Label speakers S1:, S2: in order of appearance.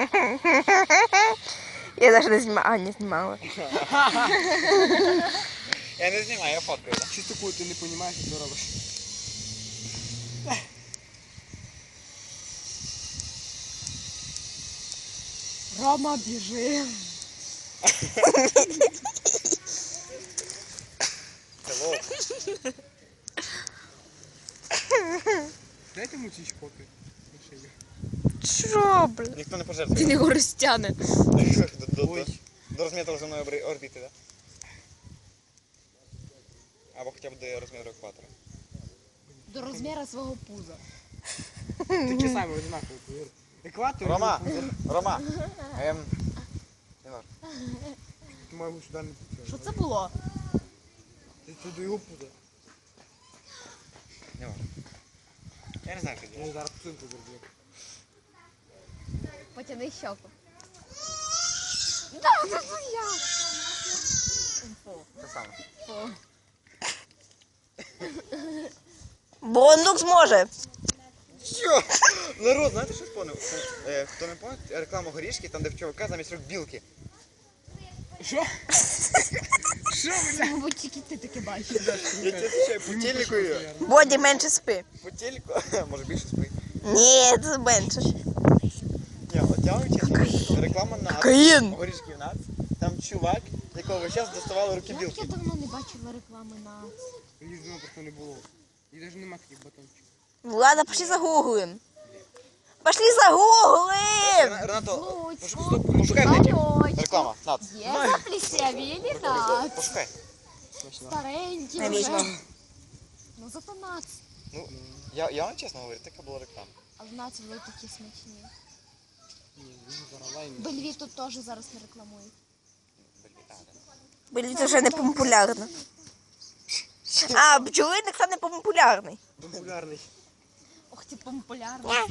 S1: Я навіть не знімала. А, не знімала.
S2: Я не знімаю, я фоткаю, так?
S3: Що такое, ти не розумієш, що робиш?
S4: Рома, біжи.
S2: Hello.
S3: Дайте йому ці шпоки на шию.
S1: Що, блін?
S2: Ніхто не
S4: Він
S2: пожертвує.
S4: його розтягне.
S2: До розміру земної орбіти, так? Або хоча б до розміру екватора.
S4: До розміру свого пуза.
S3: Такі самі однакові, повір. Екватор.
S2: Рома! Рома! Не важно.
S3: Ти маємо сюди не підтримати.
S4: Що це було?
S3: Це до його пуза.
S2: Не важно. Я не знаю, що
S3: Я
S2: робити.
S3: зараз псинку зроблю.
S4: Потяни щоку. Да, це я.
S2: Те саме.
S1: Бондук зможе.
S2: Що? Народ, знаєте, що спонив? Хто не пам'ятає, реклама горішки, там де в чувака замість рук білки.
S3: Що? Що, бля?
S4: Мабуть, тільки ти таке бачиш.
S2: Я тебе отвечаю, по телеку її.
S1: Боді, менше спи.
S2: По телеку, може більше спить.
S1: Ні, це менше.
S2: Ні, от я вам чесно, реклама на
S1: Каїн.
S2: горішків нац. Там чувак, якого весь час доставали руки
S4: Як
S2: білки.
S4: я давно не бачила реклами на...
S3: Їх давно просто не було. І навіть нема таких батончиків.
S1: Ладно, пошли загуглим. Пошли загуглим!
S2: Ренато,
S4: Будь,
S2: пошукай в неті.
S4: Алло,
S2: Реклама, нац.
S4: Є заплісявілі, так.
S2: Пошукай.
S4: Старенькі
S1: Навіщо?
S4: вже. Ну зато нац.
S2: Ну, я вам чесно говорю, така була реклама.
S4: А в нац були такі смачні.
S3: Ні, він зараз лайм.
S4: Бельві тут теж зараз не рекламують.
S1: Блін, це вже не популярно. А, бджолиник це не популярний.
S3: Популярний.
S4: Ох, ти популярний.